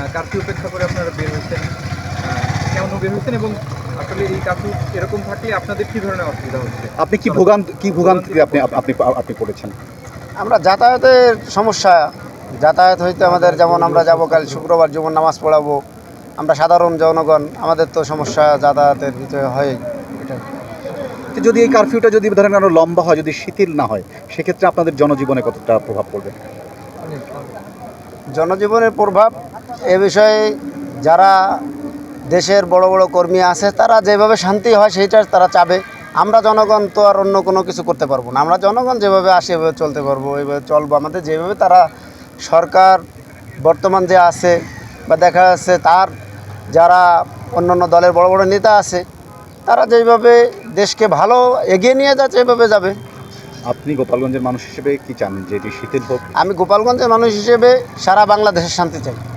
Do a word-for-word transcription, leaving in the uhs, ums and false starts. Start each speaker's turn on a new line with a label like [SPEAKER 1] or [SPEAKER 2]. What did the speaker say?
[SPEAKER 1] Curfew উপেক্ষা করে আপনারা বের হয়েছেন, কেমন বের হয়েছেন এবং আসলে এই কারফিউ এরকম থাকলে আপনাদের কী ধরনের অসুবিধা হচ্ছে?
[SPEAKER 2] আপনি কি ভোগান্ত কি ভোগান্তি আপনি আপনি আপনি পড়েছেন?
[SPEAKER 3] আমরা যাতায়াতের সমস্যা, যাতায়াত হইতে আমাদের, যেমন আমরা যাবো কাল শুক্রবার যেমন নামাজ পড়াবো, আমরা সাধারণ জনগণ, আমাদের তো সমস্যা যাতায়াতের ভিতরে হয়। এটা
[SPEAKER 2] তো যদি এই কারফিউটা যদি ধরেন আরো লম্বা হয়, যদি শিথিল না হয়, সেক্ষেত্রে আপনাদের জনজীবনে কতটা প্রভাব পড়বে?
[SPEAKER 3] জনজীবনের প্রভাব এ বিষয়ে যারা দেশের বড় বড় কর্মী আছে তারা যেভাবে শান্তি হয় সেইটা তারা চাবে। আমরা জনগণ তো আর অন্য কোনো কিছু করতে পারবো না। আমরা জনগণ যেভাবে আসে এভাবে চলতে পারবো, এইভাবে চলবো। আমাদের যেভাবে তারা সরকার বর্তমান যে আছে বা দেখা যাচ্ছে তার যারা অন্য অন্য দলের বড় বড় নেতা আছে, তারা যেভাবে দেশকে ভালো এগিয়ে নিয়ে যাচ্ছে এভাবে যাবে।
[SPEAKER 2] আপনি গোপালগঞ্জের মানুষ হিসেবে কি চান যে এটি শিথিল হোক?
[SPEAKER 3] আমি গোপালগঞ্জের মানুষ হিসেবে সারা বাংলাদেশের শান্তি চাই।